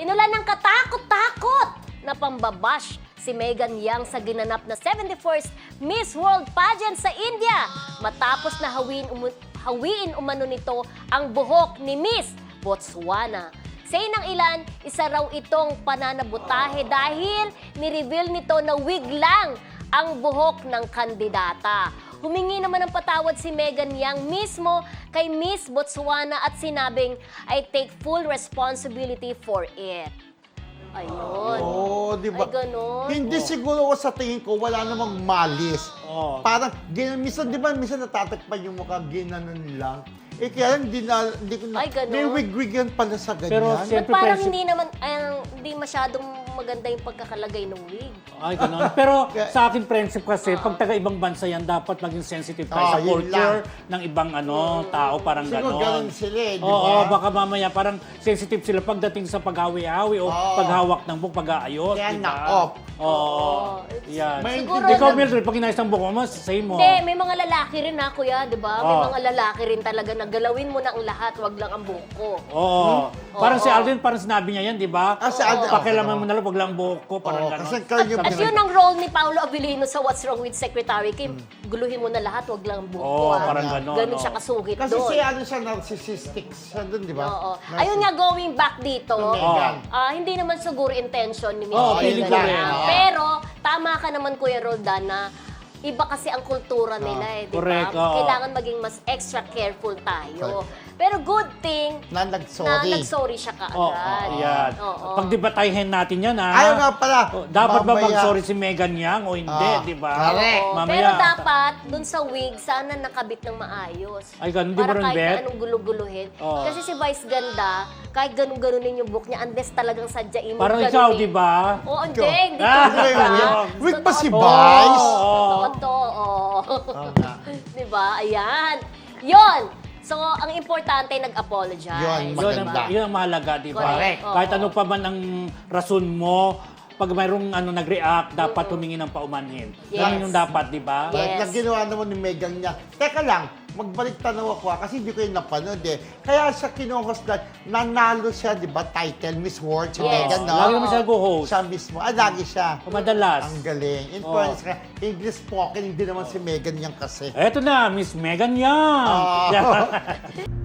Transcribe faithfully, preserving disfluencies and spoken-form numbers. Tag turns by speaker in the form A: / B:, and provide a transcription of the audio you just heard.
A: Inulan ng katakot-takot na pambabash si Megan Yang sa ginanap na seventy-first Miss World Pageant sa India matapos na hawiin, umu- hawiin umano nito ang buhok ni Miss Botswana. Say ng ilan, isa raw itong pananabutahe dahil ni-reveal nito na wig lang ang buhok ng kandidata. Humingi naman ng patawad si Megan Yang mismo kay Miss Botswana at sinabing, I take full responsibility for it. Ayun.
B: Oo, di ba?
A: Ay, ganun.
B: Hindi siguro ko sa tingin ko, wala namang malis.
C: Oo.
B: Parang, gin- minsan, di ba, minsan natatakpan yung mukha, ginanon lang. Eh, kaya lang, hindi na, hindi ko na,
A: Ay, ganun.
B: may wig-wig yan pala sa ganyan.
C: Pero,
A: But
C: siyempre,
A: parang
C: friendship-
A: hindi naman, ay, hindi masyadong maganda yung pagkakalagay ng wig.
C: Ay, ganun. Pero sa akin, friendship kasi, pag taga-ibang bansa yan, dapat maging sensitive tayo
B: Oo,
C: sa
B: yun
C: culture
B: lang.
C: ng ibang ano tao, parang
B: Siguro
C: ganon.
B: ganun sila eh, di
C: Oo,
B: ba?
C: baka mamaya parang sensitive sila pagdating sa paghawi-hawi o
B: Oo.
C: paghawak ng buhok, pag-aayos.
B: Kaya
C: di ba?
B: na-off.
C: Oo.
A: Oo.
C: Yan.
B: May
A: Siguro
C: Ikaw,
A: na-
C: Mildred, pag inayos ng buhok mo, say mo.
A: Hindi, may mga lalaki rin ha, kuya, di ba? May
C: Oh.
A: mga lalaki rin talaga na galawin mo na ang lahat, wag lang ang buko.
C: Oo. Parang si
A: Oo.
C: Alden, parang sinabi niya yan, di ba?
B: Ah, si Alden,
C: Pakialaman
B: oo.
C: mo na lang, wag lang buhok ko, parang
B: Oo,
C: ganon.
B: kasi kayo yung
A: At yun ang role ni Paolo Abilino sa What's Wrong with Secretary Kim. Guluhin mo na lahat, wag lang ang buko.
C: Oo,
A: ha?
C: parang ganon,
A: Ganun
C: oo.
A: siya kasungit
B: Kasi
A: doon.
B: si ano siya, narcissistic siya dun, di ba?
A: Oo.
B: Narciss-
A: Ayun nga, going back dito,
B: To Megan.
A: ah, hindi naman siguro intention ni Miss
C: Oo,
A: Megan
C: feeling ko
A: yan.
C: rin, oo.
A: Pero, tama ka naman, Kuya Roldan, na iba kasi ang kultura nila eh, di ba?
C: Correct, oo.
A: Kailangan maging mas extra careful tayo. Pero good thing
B: Na
A: na
B: nag-sorry.
A: nag-sorry siya
C: Oo,
A: kaagad.
C: yan.
A: Oo.
C: Pagdebatahin natin yan, ha?
B: Ayaw nga pala.
C: Oh, dapat ba
B: Mamaya-
C: mag-sorry si Megan Yang o hindi,
B: Ah,
C: di ba?
B: correct.
A: Oo,
C: Mamaya.
A: pero dapat, dun sa wig, sana nakabit ng maayos.
C: Ay, ganun, di
A: Para
C: ba rin,
A: kahit
C: Bet?
A: na anong gulo-guluhin.
C: Oo.
A: Kasi si Vice Ganda, kahit ganun-ganunin yung book niya, unless talagang sadyain mo.
C: Parang
A: ganunin.
C: ikaw, di ba?
A: Oo, hindi.
B: Ikaw.
A: Hindi
C: Ah,
A: ko
B: Wait, wait,
A: diba?
B: wig pa si
A: Totoo
B: Vice?
A: to.
C: Oo.
A: Totoo to, oo.
B: Oo nga.
A: Di ba? Ayan. Yon. So, ang importante, nag-apologize.
B: Yun,
C: Yun ang,
B: Maganda.
C: yun ang mahalaga, di ba?
A: Correct.
C: Kahit
A: Oo.
C: ano pa man ang rason mo, pag mayroong ano, nag-react, dapat humingi ng paumanhin.
A: Yes.
C: Ganun yung dapat, di ba?
A: Yes.
B: Balik na ginawa naman ni Megan niya. Teka lang, magbalik tanaw ako ha, kasi hindi ko yung napanood eh. Kaya sa kinuhost na, nanalo siya, di ba, title, Miss World, si
A: Yes.
B: Megan, no?
C: Lagi naman siya nag-host.
B: Siya mismo. Ah, lagi siya.
C: Madalas.
B: Ang galing. In
C: Oo.
B: fairness ka, English spoken, hindi naman si Megan yan kasi.
C: Eto na, Miss Megan Yang.
B: Ah.
C: Yan.